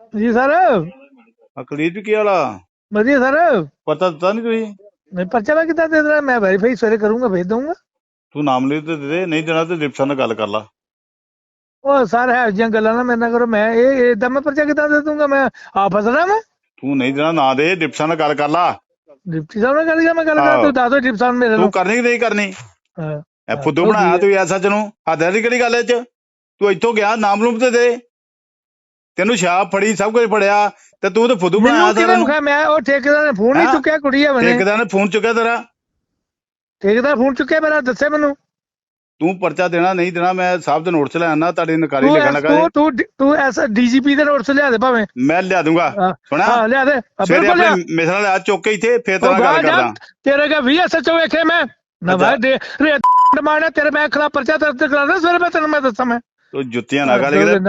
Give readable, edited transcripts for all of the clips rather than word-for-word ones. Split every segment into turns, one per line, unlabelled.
ਜੀ ਸਰ।
ਅਕਲੀਤ ਵੀ ਕੀ ਵਾਲਾ
ਵਧੀਆ ਸਰ।
ਪਤਾ ਦਿੱਤਾ ਨਹੀਂ ਤੁਸੀਂ?
ਮੈਂ ਪਰਚਾ ਮੈਂ ਕਿੱਦਾਂ ਦੇ ਦੇਣਾ? ਮੈਂ ਵੈਰੀਫਾਈ ਸਵੇਰੇ ਕਰੂੰਗਾ, ਭੇਜ ਦਊਂਗਾ।
ਤੂੰ ਨਾਮ ਲਿਖ ਤੇ ਦੇ ਦੇ, ਨਹੀਂ ਦੇਣਾ ਤੇ ਡਿਪਟੀ ਨਾਲ ਗੱਲ ਕਰ ਲਾ।
ਉਹ ਸਰ ਹੈ ਜਿਹੀਆਂ ਗੱਲਾਂ ਨਾ ਮੇਰੇ ਨਾਲ ਕਰੋ। ਮੈਂ ਇਹ ਏਦਾਂ ਮੈਂ ਪਰਚਾ ਕਿੱਦਾਂ ਦੇ ਦੂੰਗਾ? ਮੈਂ ਆਪ ਫਸਣਾ ਮੈਂ।
ਤੂੰ ਨਹੀਂ ਦੇਣਾ ਨਾ ਦੇ, ਡਿਪਟੀ ਨਾਲ ਗੱਲ ਕਰ ਲਾ।
ਡਿਪਟੀ ਸਾਹਿਬ ਨਾਲ ਗੱਲ ਕਰ, ਮੈਂ ਗੱਲ ਕਰਾਂ?
ਆਹੋ
ਤੂੰ ਦੱਸ ਦੋ ਡਿਪਟੀ ਸਾਹਿਬ ਮੇਰੇ
ਤੂੰ
ਨੂੰ।
ਕਰਨੀ ਕਿ ਨਹੀਂ ਕਰਨੀ?
ਹਾਂ,
ਇਹ
ਹੱਦ
ਫੁੱਦੂ
ਹੋ ਗਈ
ਬਣਾਇਆ
ਹੈ।
ਤੂੰ ਐਸਾ ਨੂੰ। ਹੱਦ ਦੀ ਕਿਹੜੀ ਗੱਲ ਇਹ ਚ? ਤੂੰ ਇੱਥੋਂ ਗਿਆ, ਨਾਮ ਲੂਮ ਤੇ ਦੇ। ਤੈਨੂੰ ਸ਼ਾਪ ਫੜੀ, ਸਭ ਕੁਝ ਫੜਿਆ, ਤੇ ਤੂੰ ਤੇ ਫੁੱਦੂ
ਮੈਨੂੰ
ਬਣਾਇਆ
ਕਿਹਨੇ
ਸਾਰਿਆਂ ਨੂੰ।
ਵਿਖਾਇਆ? ਮੈਂ ਉਹ ਠੇਕੇਦਾਰ ਨੇ ਫੋਨ ਨਹੀਂ
ਹੈਂ?
ਚੁੱਕਿਆ, ਕੁੜੀ ਆ ਮੈਨੇ।
ਠੇਕੇਦਾਰ ਨੇ ਫੋਨ ਚੁੱਕਿਆ ਤੇਰਾ?
ਠੇਕੇਦਾਰ ਫੋਨ ਚੁੱਕਿਆ ਮੇਰਾ, ਦੱਸੇ ਮੈਨੂੰ।
ਤੂੰ ਪਰਚਾ ਦੇਣਾ ਨਹੀਂ ਦੇਣਾ, ਮੈਂ ਸਾਹਿਬ ਦੇ ਨੋਟ ਚ ਲੈ ਆਣਾ, ਤੁਹਾਡੀ ਨਕਾਰੀ
ਤੂੰ
ਲਿਖਣ
ਐਸ
ਲੱਗਾ ਜੀ।
ਤੂੰ ਐਸ ਡੀਜੀਪੀ ਦੇ ਨੋਟਸ ਲਿਆ ਦੇ ਭਾਵੇਂ।
ਮੈਂ ਲਿਆ ਦੂੰਗਾ। ਸੁਣਾ,
ਹਾਂ ਲਿਆ ਦੇ,
ਸਵੇਰੇ
ਬਿਲਕੁਲ
ਆਪਣੇ
ਲਿਆ।
ਮਿਸਰਾਂ ਲਿਆ ਚੁੱਕ ਕੇ ਇੱਥੇ, ਫੇਰ ਤੇਰੇ
ਉਹ
ਨਾਲ ਗੱਲ
ਗਾਹ ਜਾ,
ਕਰਦਾ।
ਤੇਰੇ ਕੇ ਵੀ ਐਸਐਚਓ ਵੇਖੇ ਮੈਂ ਨਾ
ਅੱਛਾ,
ਭਾਈ ਦੇ ਰੇਟ ਮਾਰਨਾ ਤੇਰੇ। ਮੈਂ ਖਿਲਾਫ ਪਰਚਾ ਦਰਜ ਕਰਾਣਾ ਸਵੇਰੇ, ਮੈਂ ਤੈਨੂੰ ਮੈਂ ਦੱਸਾਂ। ਮੈਂ
ਤੂੰ ਜੁੱਤੀਆਂ ਨਾ ਕਰ ਕਿਤੇ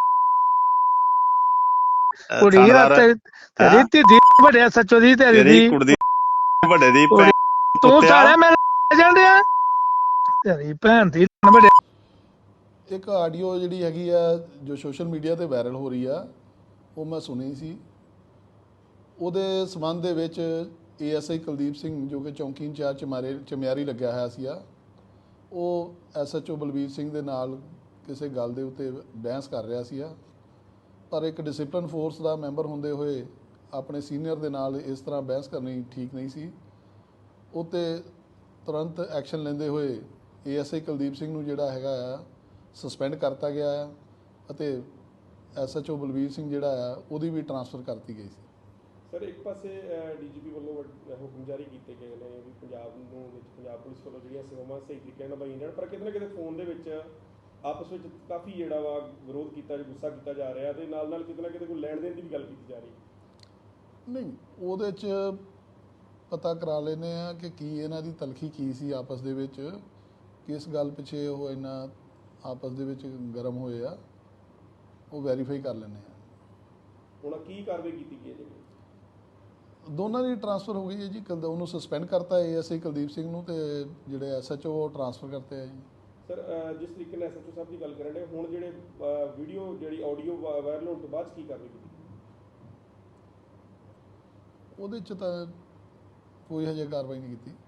ਕੁੜੀ ਆ
ਥਾਣੇਦਾਰ।
ਤੇਰੀ
ਹੈਂ?
ਧੀ ਵੱਡੇ ਐਸਐਚਓ ਦੀ, ਤੇਰੀ
ਤੇਰੀ
ਦੀ
ਕੁੜੀ ਦੀ ਵੱਡੇ ਦੀ
ਕੁੜੀ।
ਭੈਣ
ਤੂੰ
ਕੁੱਤਿਆ।
ਸਾਲਿਆ ਮੈਂ ਜਾਣ ਡਿਆ ਤੇਰੀ ਭੈਣ ਦੀ ਵੱਡੇ।
ਇੱਕ ਆਡੀਓ ਜਿਹੜੀ ਹੈਗੀ ਆ ਜੋ ਸੋਸ਼ਲ ਮੀਡੀਆ ਤੇ ਵਾਇਰਲ ਹੋ ਰਹੀ ਆ, ਉਹ ਮੈਂ ਸੁਣੀ ਸੀ। ਉਹਦੇ ਸੰਬੰਧ ਦੇ ਵਿੱਚ ਏਐਸਆਈ ਕੁਲਦੀਪ ਸਿੰਘ, ਜੋ ਕਿ ਚੌਂਕੀ ਇੰਚਾਰਜ ਚਮਿਆਰੀ ਲੱਗਿਆ ਹੋਇਆ ਸੀ, ਉਹ ਐਸਐਚਓ ਬਲਬੀਰ ਸਿੰਘ ਦੇ ਨਾਲ ਕਿਸੇ ਗੱਲ ਦੇ ਉੱਤੇ ਬਹਿਸ ਕਰ ਰਿਹਾ ਸੀ। ਪਰ ਇੱਕ ਡਿਸਪਲਿਨ ਫੋਰਸ ਦਾ ਮੈਂਬਰ ਹੁੰਦੇ ਹੋਏ ਆਪਣੇ ਸੀਨੀਅਰ ਦੇ ਨਾਲ ਇਸ ਤਰ੍ਹਾਂ ਬਹਿਸ ਕਰਨੀ ਠੀਕ ਨਹੀਂ ਸੀ। ਉਹ 'ਤੇ ਤੁਰੰਤ ਐਕਸ਼ਨ ਲੈਂਦੇ ਹੋਏ ਏਐਸਆਈ ਕੁਲਦੀਪ ਸਿੰਘ ਨੂੰ ਜਿਹੜਾ ਹੈਗਾ ਆ ਸਸਪੈਂਡ ਕਰਤਾ ਗਿਆ ਆ, ਅਤੇ ਐਸਐਚਓ ਬਲਬੀਰ ਸਿੰਘ ਜਿਹੜਾ ਆ ਉਹਦੀ ਵੀ ਟਰਾਂਸਫਰ ਕਰਤੀ ਗਈ ਸੀ।
ਸਰ, ਇੱਕ ਪਾਸੇ ਡੀਜੀਪੀ ਵੱਲੋਂ ਹੁਕਮ ਜਾਰੀ ਕੀਤੇ ਗਏ ਨੇ ਵੀ ਪੰਜਾਬ ਨੂੰ ਵਿੱਚ ਪੰਜਾਬ ਪੁਲਿਸ ਵੱਲੋਂ ਜਿਹੜੀਆਂ ਸੇਵਾਵਾਂ ਸਹੀ ਤਰੀਕੇ ਨਾਲ ਨਿਭਾਈਆਂ ਜਾਣ, ਪਰ ਕਿਤੇ ਨਾ ਕਿਤੇ ਫੋਨ ਦੇ ਵਿੱਚ ਆਪਸ ਵਿੱਚ ਕਾਫੀ ਜਿਹੜਾ ਵਾ ਵਿਰੋਧ ਕੀਤਾ, ਗੁੱਸਾ ਕੀਤਾ ਜਾ ਰਿਹਾ, ਤੇ ਨਾਲ ਨਾਲ ਕਿਤੇ ਨਾ ਕਿਤੇ ਕੋਈ ਲੈਣ ਦੇਣ ਦੀ ਵੀ ਗੱਲ ਕੀਤੀ ਜਾ ਰਹੀ।
ਨਹੀਂ, ਉਹਦੇ 'ਚ ਪਤਾ ਕਰਾ ਲੈਂਦੇ ਆ ਕਿ ਕੀ ਇਹਨਾਂ ਦੀ ਤਲਖੀ ਕੀ ਸੀ ਆਪਸ ਦੇ ਵਿੱਚ, ਕਿਸ ਗੱਲ ਪਿੱਛੇ ਉਹ ਇੰਨਾ ਆਪਸ ਦੇ ਵਿੱਚ ਗਰਮ ਹੋਏ ਆ, ਉਹ ਵੈਰੀਫਾਈ ਕਰ ਲੈਂਦੇ ਆ।
ਹੁਣ ਕੀ ਕਾਰਵਾਈ ਕੀਤੀ ਗਈ ਹੈ ਜੀ?
ਦੋਨਾਂ ਦੀ ਟਰਾਂਸਫਰ ਹੋ ਗਈ ਹੈ ਜੀ। ਉਹਨੂੰ ਸਸਪੈਂਡ ਕਰਤਾ ਏਐਸਆਈ ਕੁਲਦੀਪ ਸਿੰਘ ਨੂੰ, ਤੇ ਜਿਹੜੇ ਐਸਐਚਓ ਉਹ ਟਰਾਂਸਫਰ ਕਰਤੇ ਆ ਜੀ।
ਸਰ, ਜਿਸ ਤਰੀਕੇ ਨਾਲ ਐਸਐਚਓ ਸਾਹਿਬ ਦੀ ਗੱਲ ਕਰਨ ਦੇ, ਹੁਣ ਜਿਹੜੇ ਵੀਡੀਓ ਜਿਹੜੀ ਆਡੀਓ ਵਾਇਰਲ ਹੋਣ ਤੋਂ ਬਾਅਦ ਕੀ ਕਾਰਵਾਈ ਕੀਤੀ?
ਉਹਦੇ 'ਚ ਤਾਂ ਕੋਈ ਹਜੇ ਕਾਰਵਾਈ ਨਹੀਂ ਕੀਤੀ।